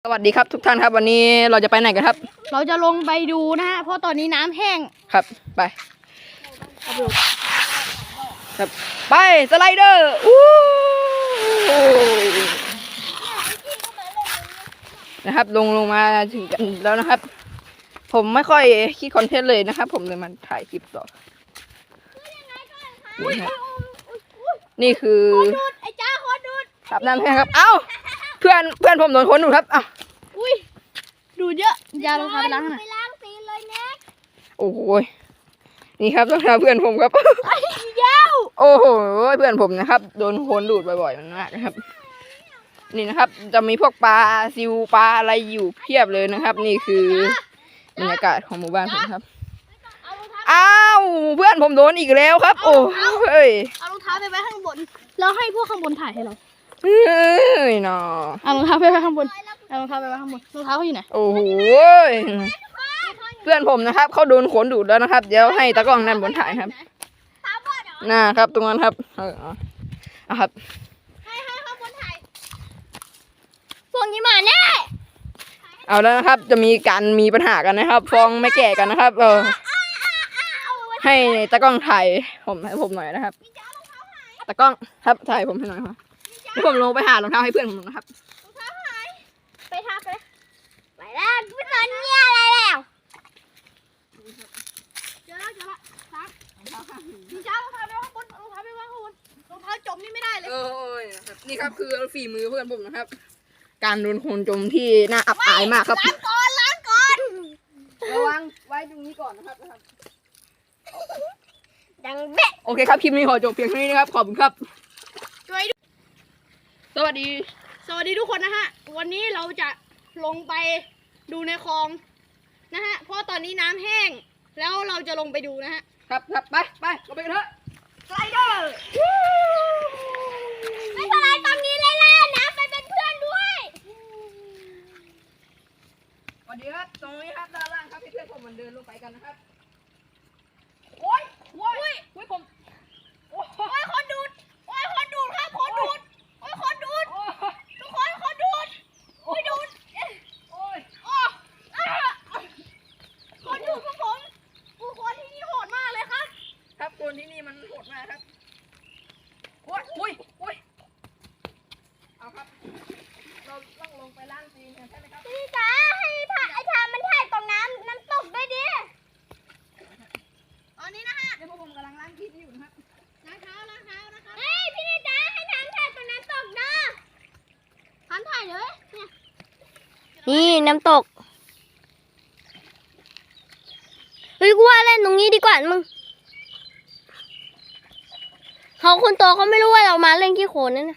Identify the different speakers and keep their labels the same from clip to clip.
Speaker 1: สวัสดีครับทุกท่านครับวันนี้เราจะไปไหนกันครับ
Speaker 2: เราจะลงไปดูนะฮะเพราะตอนนี้น้ำแห้ง
Speaker 1: ครับไปครับไปสไลเดอร์นะครับลงมาถึงกันแล้วนะครับผมไม่ค่อยคิดคอนเทนต์เลยนะครับผมเลยมาถ่ายคลิปต่อนี่คือ
Speaker 2: ไอ้จ้าคนดูด
Speaker 1: ครับน้ำแห้งครับเอ้าเพื่อนผมโดนคนดูดครับเอ้า
Speaker 2: อุ้ยดูเยอะยาลงไปล้างหน่อย
Speaker 3: ไปล้างตีนเลยเน็ก
Speaker 1: โอ้โหนี่ครับสำหรับเพื่อนผมครับ
Speaker 2: ยาว
Speaker 1: โอ้โหเพื่อนผมนะครับโดนคนดูดบ่อยๆมากนะครับนี่นะครับจะมีพวกปลาซิวปลาอะไรอยู่เพียบเลยนะครับนี่คือบรรยากาศของหมู่บ้านผมครับอ้าวเพื่อนผมโดนอีกแล้วครับโอ้เฮ้ย
Speaker 2: เอารองเท้าไปไว้ข้างบนแล้วให้พวกข้างบนถ่ายให้เรา
Speaker 1: เฮ้ยน้อ
Speaker 2: เอารองเท้าไปไว้ข้างบนเอารองเท้าไปไว้ข้างบนรองเท้าเขาอยู่ไหน
Speaker 1: โอ้โหเพื่อนผมนะครับเขาโดนขนดูดแล้วนะครับเดี๋ยวให้ตากล้องนั่นบนถ่ายครับน่าครับตรงนั้นครับครับ
Speaker 2: ให้ข้างบนถ่ายพวกนี้มาแน่
Speaker 1: เอาแล้วนะครับจะมีปัญหากันนะครับฟ้องไม่แก่กันนะครับให้ตากล้องถ่ายให้ผมหน่อยนะครับตากล้องครับถ่ายผมให้หน่อยครับเดี๋ยวผมลงไปหารองเท้าให้เพื่อนผมนะครับ
Speaker 3: รองเท้าหายไปทักเลยไปแล้วไม่สนเนี่ยอะไรแล้ว
Speaker 2: เจอแล้วซักมีจ้ารองเท้าไปข้างบนรองเท้าไปข้างบนรองเท้าจมนี่ไม่ได้เลย
Speaker 1: นี่ครับคือฝีมือเพื่อนผมนะครับการโดนคนจมที่น่าอับอายมากครับ
Speaker 3: ล้างก่อน
Speaker 1: ระวังไว้ตรงนี้ก่อนนะครับ
Speaker 3: ดังเบ๊ะ
Speaker 1: โอเคครับคลิปนี้ขอจบเพียงเท่านี้นะครับขอบคุณครับสวัสดี
Speaker 2: ทุกคนนะฮะวันนี้เราจะลงไปดูในคลองนะฮะเพราะตอนนี้น้ำแห้งแล้วเราจะลงไปดูนะฮะ
Speaker 1: ครับไปเราไปกันเถอะสไลเดอร์
Speaker 3: ไม่เป็นไรตรงนี้เลยล่ะนะไปเป็นเพื่อนด้วย
Speaker 1: สวัสดีครับตรงนี้ครับด้านล่างครับเพื่อนผมมันเดินลงไปกันนะครับโอ้ยผม
Speaker 3: โอ้ยคนดูดครับคนดูดโอ้ยคนดูดทุกคนคนดูดโอ้ยดูดคนดูดพวกผมคนที่นี่โหดมากเลยครับ
Speaker 1: ครับคนที่นี่มันโหดมากครับโอ้ยเอาครับเราต้องลงไปล้างตีนใช่ไหมครับ
Speaker 3: พี่จ๋าให้ไอ้ทามันถ่ายตรงน้ำตกด้วยดิ
Speaker 2: ตอนนี้นะฮะ
Speaker 1: เดี๋ยวผมกำลังล้างตีนอยู่นะครับ
Speaker 2: ล้างเท้านะครับ
Speaker 3: เฮ้ยพี่จ๋าให้ทำถ่ายตรงน้ำตกนะ
Speaker 2: ทำถ่ายเลยเนี่ย
Speaker 3: นี่น้ำตกเฮ้ยกูว่าเล่นตรงนี้ดีกว่ามึงเขาคนโตเขาไม่รู้ว่าเรามาเล่นขี้โคลนนั่นนะ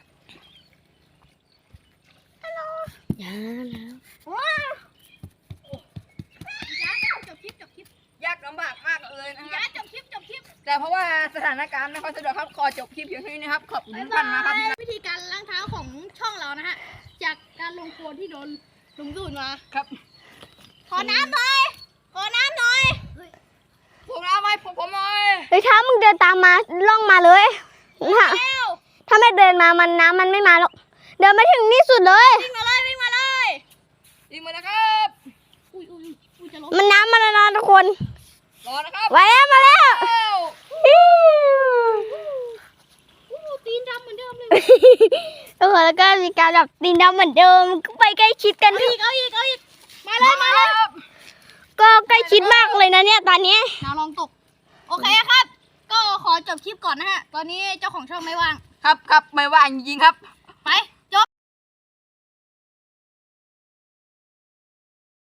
Speaker 3: ฮัลโหลอย่าแล้วว้าว
Speaker 2: จบคลิป
Speaker 1: ยากลำบากมากเลยนะครับ
Speaker 2: จบคลิป
Speaker 1: แต่เพราะว่าสถานการณ์ไม่ค่อยสะดวกครับขอจบคลิปเพียงเท่านี้นะครับขอบคุณท่านมากครับ
Speaker 2: วิธีการล้างเท้าของช่องเรานะฮะจากการลงโคลนที่โดนลุงดูดมา
Speaker 1: ครับ
Speaker 3: ขอน้ำหน่อย
Speaker 1: ผมน้ำไหมผมหน่อย
Speaker 3: เฮ้ยถ้ามึงเดินตามมาล่องมาเลยถ้าไม่เดินมาน้ำมันไม่มาหรอกเดินมาถึงนี่สุดเลย
Speaker 2: วิ่งมาเลย
Speaker 1: ยิงมานะครับ
Speaker 3: มันน้ำมาแล้วนะทุกคน
Speaker 1: รอนะครับ
Speaker 3: มาแล้ว
Speaker 2: ตีนดำเหมือนเดิมเลย
Speaker 3: แล้วก็มีการแบบตีนดำเหมือนเดิมไปใกล้ชิดกัน
Speaker 2: เอาอีกมาเลย
Speaker 3: ก็ใกล้ชิดมากเลยนะเนี่ยตอนนี้
Speaker 2: น้ำลองตกโอเคครับก็ขอจบคลิปก่อนนะฮะตอนนี้เจ้าของช่องไม่ว่าง
Speaker 1: ครับไม่ว่างจริงๆครับ